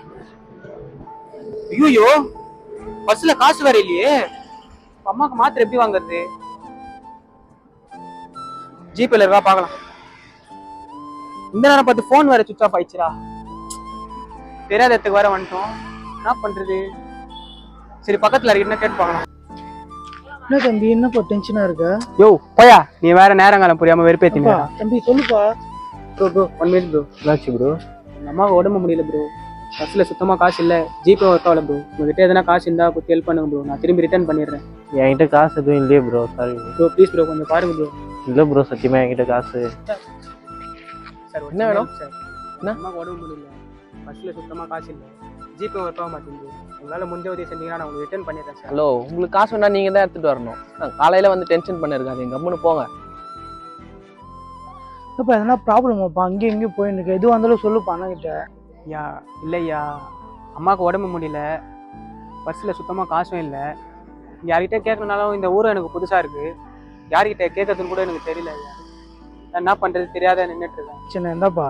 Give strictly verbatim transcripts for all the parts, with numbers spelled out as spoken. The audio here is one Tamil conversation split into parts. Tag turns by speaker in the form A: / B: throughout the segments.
A: ஐயோ, பஸ்ல காசு வேற இல்லையே. அம்மாக்கு மாத்திரை எப்படி வாங்குறது? ஜிபேல இருக்கா பாக்கலாம். இந்த நேரம் பார்த்து போன் வேற சுவிச் ஆஃப் ஆயிடுச்சுடா. தெரியாத இடத்துக்கு வேற வந்துட்டோம். என்ன பண்றது? சரி பக்கத்துல இருக்கா கேட்டு பார்க்கலாம்.
B: என்ன தம்பி என்னப்பா டென்ஷனா இருக்க?
A: யோ போயா, நீ வேற நேரங்காலம் புரியாம வெறுப்பேத்திங்க.
B: தம்பி சொல்லுப்பா.
A: Bro bro one minute bro.
C: என்னாச்சு ப்ரோ?
A: எங்க அம்மாவுக்கு உடம்பு முடியல ப்ரோ. பஸ்ல சுத்தமா காசு இல்ல. ஜிபே ஒர்க் ஆகல ப்ரோ. உங்ககிட்ட எதனா காசு இருந்தா கொஞ்சம் ஹெல்ப் பண்ணுங்க ப்ரோ. நான் திரும்பி ரிட்டர்ன் பண்ணிடுறேன்.
C: என்கிட்ட காசு எதுவும் இல்லையே bro, sorry
A: bro. Please bro கொஞ்சம் பாருங்க ப்ரோ.
C: இல்லை ப்ரோ, சத்தியமா என்கிட்ட காசு.
A: சார்
C: என்ன வேணும்
A: சார்?
C: என்ன?
A: அம்மாவுக்கு உடம்பு முடியல. பஸ்ல சுத்தமா காசு இல்லை. ஜிபே ஒர்க் ஆக மாட்டேங்குது. உங்களால முடிஞ்ச உதவி செஞ்சீங்கன்னா நான் உங்களுக்கு ரிட்டர்ன் பண்ணிடுறேன் சார்.
C: ஹலோ, உங்களுக்கு காசு வேணா நீங்க தான் எடுத்துட்டு வரணும். நான் காலையில வந்து டென்ஷன் பண்ணிருக்காது, எங்க அம்மனு போங்க.
B: இப்போ எதனா ப்ராப்ளமாப்பா? அங்கேயும் இங்கேயும் போயிருக்கு. எதுவும் வந்தாலும் சொல்லுப்பா அண்ணா கிட்ட.
A: ஐயா இல்லையா, அம்மாவுக்கு உடம்பு முடியல. பஸ்ஸில் சுத்தமாக காசும் இல்லை. யார்கிட்ட கேட்கணுனாலும் இந்த ஊரும் எனக்கு புதுசாக இருக்குது. யார்கிட்ட கேட்கறதுன்னு கூட எனக்கு தெரியல ஐயா. நான் என்ன பண்ணுறது தெரியாத நின்றுட்டு இருக்கேன்.
B: சின்ன இருந்தாப்பா.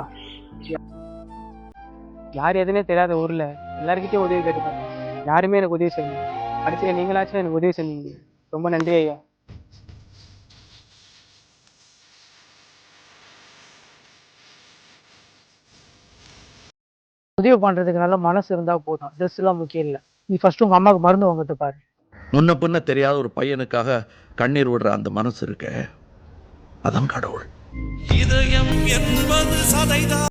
A: யார் எதுனே தெரியாத ஊரில் எல்லாருக்கிட்டையும் உதவி கேட்டுப்பாங்க. யாருமே எனக்கு உதவி செய்யணும். கடைசியில் நீங்களாச்சும் எனக்கு உதவி செஞ்சீங்க. ரொம்ப நன்றி ஐயா.
B: உதவி பண்றதுக்கு நல்ல மனசு இருந்தா போதும். ட்ரெஸ் எல்லாம் முக்கியம் இல்லை. நீ ஃபர்ஸ்ட் உங்க அம்மாவுக்கு மருந்து வாங்கிட்டு பாரு.
D: முன்ன பின்ன தெரியாத ஒரு பையனுக்காக கண்ணீர் விடுற அந்த மனசு இருக்க, அதான் கடவுள். இதயம் என்பது சதைதான்.